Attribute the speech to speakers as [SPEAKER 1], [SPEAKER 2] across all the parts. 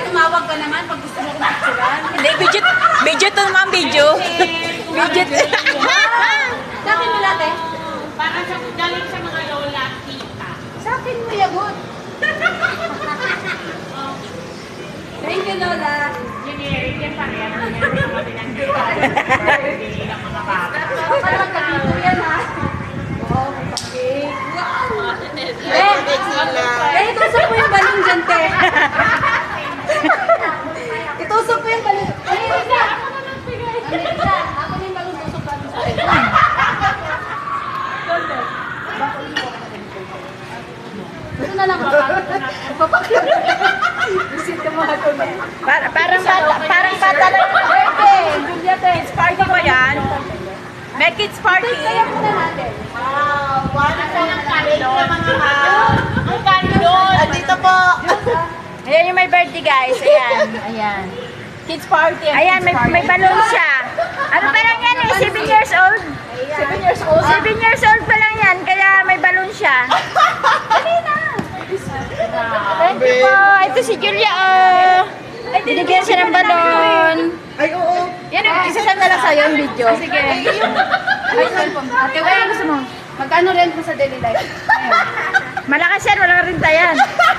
[SPEAKER 1] tumawag ka naman pag gusto mo kumapsuran.
[SPEAKER 2] Hindi, video to naman, video. Video.
[SPEAKER 1] Sa akin mo lahat eh.
[SPEAKER 3] Para sa galing sa mga lola, tita.
[SPEAKER 1] Sa akin mo yagot. Thank you, Lola.
[SPEAKER 3] Generic yan pareha. Hindi lang mga bata.
[SPEAKER 1] Parang kapito yan, ha? Wow, kapit. Wow! Itusok mo yung balon dyan, te. Itusok mo yung balon. Ay, isa! Ako na yung balon, tusok ka sa akin. Ito na lang, papakyo. Visit ka mga to.
[SPEAKER 2] Parang bata lang.
[SPEAKER 1] Birthday! Juliette!
[SPEAKER 2] Kids party ba yan? May kids party.
[SPEAKER 1] Kaya muna natin.
[SPEAKER 3] Ang kandol!
[SPEAKER 2] Dito po. Ayan yung may birthday, guys. Ayan.
[SPEAKER 1] Ayan. Kids party.
[SPEAKER 2] Ayan, may balon siya. Ano pa lang yan eh? 7 years old.
[SPEAKER 1] 7 years old.
[SPEAKER 2] 7 years old pa lang yan, kaya may balon siya.
[SPEAKER 1] Dali na.
[SPEAKER 2] Thank you po. Ito si Julia. Ay, binigyan siya ng balon.
[SPEAKER 1] Ay, oo.
[SPEAKER 2] Yan, isasend na lang sa'yo yung video.
[SPEAKER 1] Sige. Ay, ate, wala gusto mo. Magkano rent mo sa daily life?
[SPEAKER 2] Malakas yan, walang rinta yan.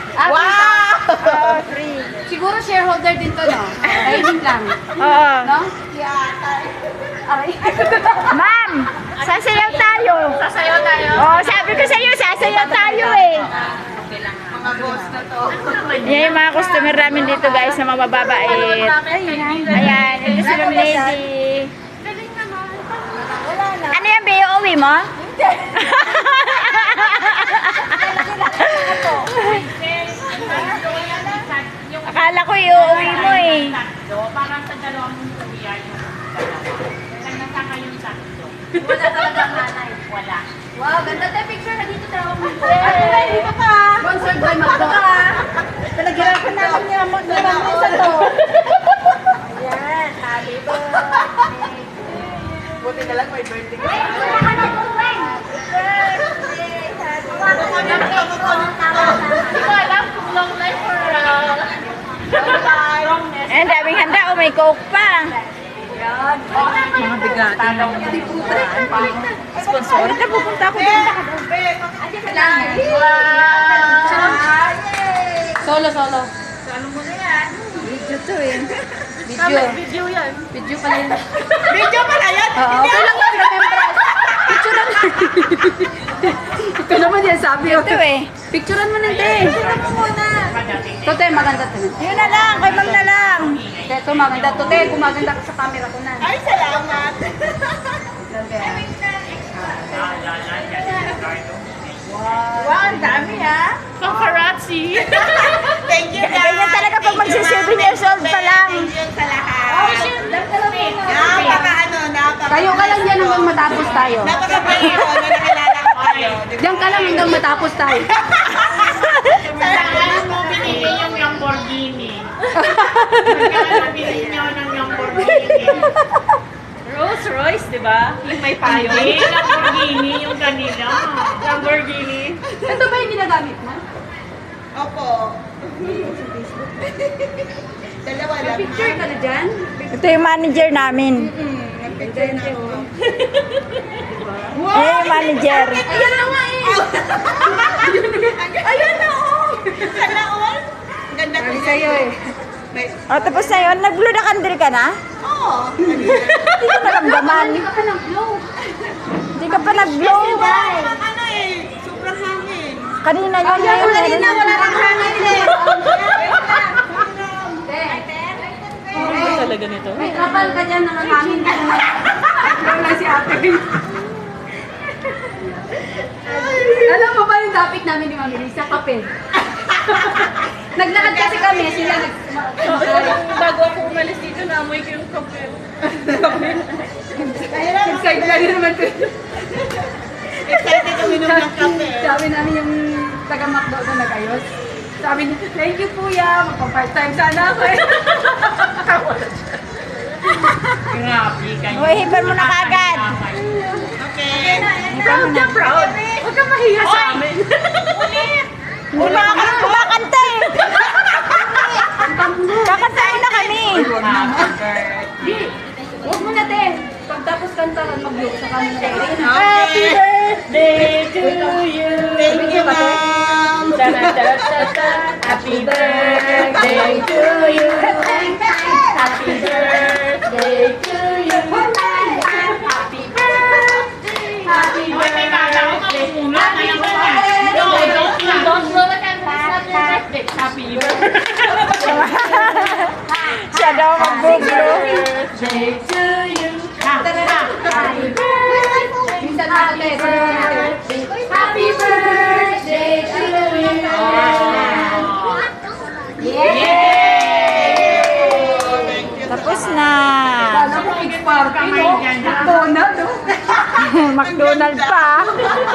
[SPEAKER 1] Wow! Free. Siguro shareholder din to, no? Trading lang.
[SPEAKER 2] Oo.
[SPEAKER 1] No? Aray.
[SPEAKER 2] Ma'am, sasayaw tayo.
[SPEAKER 3] Sasayaw tayo.
[SPEAKER 2] Oo, sabi ko sa'yo, sasayaw tayo eh.
[SPEAKER 3] Mga boss na to.
[SPEAKER 2] Yan yung mga customer namin dito guys na mababait. Ayan, ito si Ma'am Lady. Ano yan, Bea? Uwi mo? Akala ko iuwi mo eh.
[SPEAKER 3] Parang sa dalawang kuya yung dalawa. Nagtataka yung tatlo.
[SPEAKER 1] Wala talaga nanay.
[SPEAKER 3] Wala.
[SPEAKER 1] Wow, ganda tayo picture na dito tayo. Dito ka. Sponsored by Magdo.
[SPEAKER 2] Talagyan ko namin niya naman sa to.
[SPEAKER 1] Ayan, happy birthday.
[SPEAKER 3] Buti na lang may birthday ka. Hindi ko alam kung long life or wrongness.
[SPEAKER 2] Eh, daming handa. Oh, may coke pa.
[SPEAKER 1] Mga bigati na yung
[SPEAKER 2] Sponsor. Ito, pupunta ako doon.
[SPEAKER 1] Solo.
[SPEAKER 3] Ano mo na yan?
[SPEAKER 2] Video to eh.
[SPEAKER 3] Video yan.
[SPEAKER 1] Video pala yun.
[SPEAKER 3] Video pala yan?
[SPEAKER 1] Oo, okay lang yung remembrance. Picture lang. Ito naman yan sabi.
[SPEAKER 2] Ito eh.
[SPEAKER 1] Picturean mo na din. Picturean mo muna. Ito te, maganda to.
[SPEAKER 2] Yun na lang. Kay Ma'am na lang.
[SPEAKER 1] Ito maganda to te. Kung maganda ka sa camera ko na.
[SPEAKER 3] Ay, salamat.
[SPEAKER 1] Wow, ang dami ha.
[SPEAKER 3] Paparazzi. Thank you, guys.
[SPEAKER 2] Ganyan talaga pag magsi 7 years old pa lang.
[SPEAKER 3] Thank you sa lahat.
[SPEAKER 1] Kayo ka lang dyan hanggang matapos tayo.
[SPEAKER 3] Napaka-bayo na nakilala ko kayo.
[SPEAKER 1] Diyan ka lang hanggang matapos tayo.
[SPEAKER 3] Saan mo binili yung Lamborghini? Saan binili niyo ng Lamborghini?
[SPEAKER 2] Rolls Royce, di ba? Yung may payo.
[SPEAKER 3] Hindi, Lamborghini yung kanila.
[SPEAKER 2] Lamborghini.
[SPEAKER 1] Ito ba yung ginagamit mo?
[SPEAKER 3] Opo. Dalawa lang.
[SPEAKER 1] Picture ka na dyan?
[SPEAKER 2] Ito yung manager namin.
[SPEAKER 3] Nag-picture na ako.
[SPEAKER 2] Eh, yung manager.
[SPEAKER 1] Ayan na nga eh.
[SPEAKER 3] Ayun na, oh! Sana all? Ganda ko
[SPEAKER 1] Sa'yo eh.
[SPEAKER 2] O, tapos na yun. Nag-blow na candle ka na?
[SPEAKER 3] Oo.
[SPEAKER 2] Hindi ko naramdaman.
[SPEAKER 1] Hindi ka pa nag-blow.
[SPEAKER 2] Hindi ka pa nag-blow.
[SPEAKER 3] Ano eh, sobrang hangin.
[SPEAKER 2] Kanina yun. Ngayon,
[SPEAKER 1] Kanina wala nang hangin eh.
[SPEAKER 2] talaga nito.
[SPEAKER 1] May kapal ka dyan, nakakamin ka na. Wala si ate. Alam mo ba yung topic namin ni Mami Lisa? Kape. Naglakad kasi kami, sila
[SPEAKER 2] Bago ako umalis dito, naamoy ko yung kape.
[SPEAKER 1] Excited lang yun naman ko.
[SPEAKER 3] Excited uminom ng kape.
[SPEAKER 1] Sabi namin yung taga-McDo na nag-ayos. Sabi niya, thank you kuya, magpa-part-time sana ako eh.
[SPEAKER 3] Grabe kayo.
[SPEAKER 2] Uy, hipan mo na kagad.
[SPEAKER 3] Okay.
[SPEAKER 2] Hipan mo na.
[SPEAKER 3] Proud.
[SPEAKER 1] Huwag kang mahiya sa amin.
[SPEAKER 3] Ulit.
[SPEAKER 2] Kumakanta eh.
[SPEAKER 1] Ang Huwag mo na, te. Pagtapos kantahan, mag-look sa kanila.
[SPEAKER 2] Happy birthday to you.
[SPEAKER 3] Thank you, ma'am.
[SPEAKER 2] Happy birthday to you. Happy birthday to you. Happy birthday. Happy
[SPEAKER 3] Hoy, may bata ko mapupula. Kaya ba na?
[SPEAKER 2] Don't blow the candle. It's not your birthday. Happy birthday. Siya daw mag-blow. Birthday to you. Happy birthday.
[SPEAKER 1] Minsan ako, te.
[SPEAKER 2] Happy birthday to you. Tapos na.
[SPEAKER 1] Alam mo, it's parking, no?
[SPEAKER 3] Kamay dyan, ha?
[SPEAKER 1] McDonald's, no?
[SPEAKER 2] McDonald's pa.